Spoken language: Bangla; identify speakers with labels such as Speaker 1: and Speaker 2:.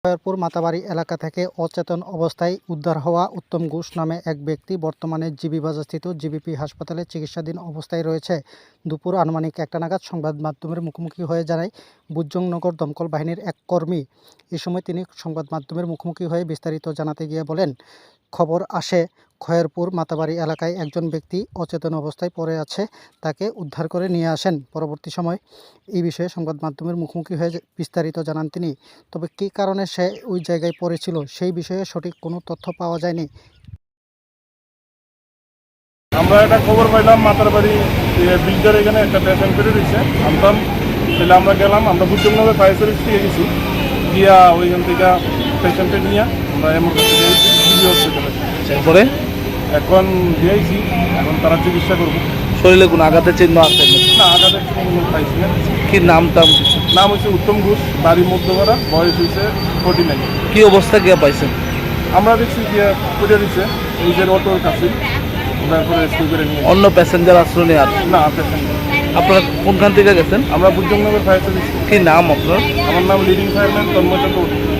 Speaker 1: খয়েরপুর মাতাবাড়ি এলাকা থেকে অচেতন অবস্থায় উদ্ধার হওয়া উত্তম ঘোষ নামে এক ব্যক্তি বর্তমানে জিবি বাজারস্থিত জিবিপি হাসপাতালে চিকিৎসাধীন অবস্থায় রয়েছে। দুপুর আনুমানিক 1টা নাগাদ সংবাদ মাধ্যমের মুখোমুখি হয়ে জানায় বুজজংনগর দমকল বাহিনীর এক কর্মী। এ সময় তিনি সংবাদ মাধ্যমের মুখোমুখি হয়ে বিস্তারিত জানাতে গিয়ে বলেন, খবর আসে খয়েরপুর মাতাবাড়ি এলাকায় একজন ব্যক্তি অচেতন অবস্থায় পড়ে আছে, তাকে উদ্ধার করে নিয়ে আসেন। পরবর্তী সময় এই বিষয়ে সংবাদ মাধ্যমের মুখোমুখি হয়ে বিস্তারিত জানান তিনি। তবে কী কারণে সে ওই জায়গায় পড়েছিল সেই বিষয়ে সঠিক কোনো তথ্য পাওয়া যায়নি।
Speaker 2: আমরা একটা খবর পাইলাম মাতারবাড়ি ব্রিজের এখানে একটা পেশেন্ট করে দিচ্ছে আমতাম, তাহলে আমরা গেলাম, আমরা বুজজংনগর ফায়ার সার্ভিস থেকে গেছি, গিয়া ওইখান থেকে পেশেন্টে নিয়ে আমরা এমার্জেন্সি দিয়েছি জিবি হসপিটালে।
Speaker 3: তারপরে
Speaker 2: এখন দিয়েছি, এখন তারা চিকিৎসা করবো।
Speaker 3: শরীরে কোনো আঘাতের চিহ্ন আছে?
Speaker 2: না, আঘাতের কোনো পাইছি না।
Speaker 3: কি নাম টাম কিছু?
Speaker 2: নাম হচ্ছে উত্তম ঘোষ, বাড়ি মধ্যপাড়া, বয়স হয়েছে 49।
Speaker 3: কি অবস্থা গিয়ে পাইছেন?
Speaker 2: আমরা দেখছি গিয়া পুজো দিচ্ছে নিজের অটোর কাছে, তারপরে রেস্কিউ করে নিয়ে।
Speaker 3: অন্য প্যাসেঞ্জার আশ্রয় নেই আর?
Speaker 2: না, পেশেন্ট
Speaker 3: আপনারা কোনখান থেকে গেছেন?
Speaker 2: আমরা বুজজংনগর ফায়ার সার্ভিস।
Speaker 3: কি নাম আপনার?
Speaker 2: আমার নাম লিডিং ফায়ারম্যান তন্ময় চক্রবর্তী।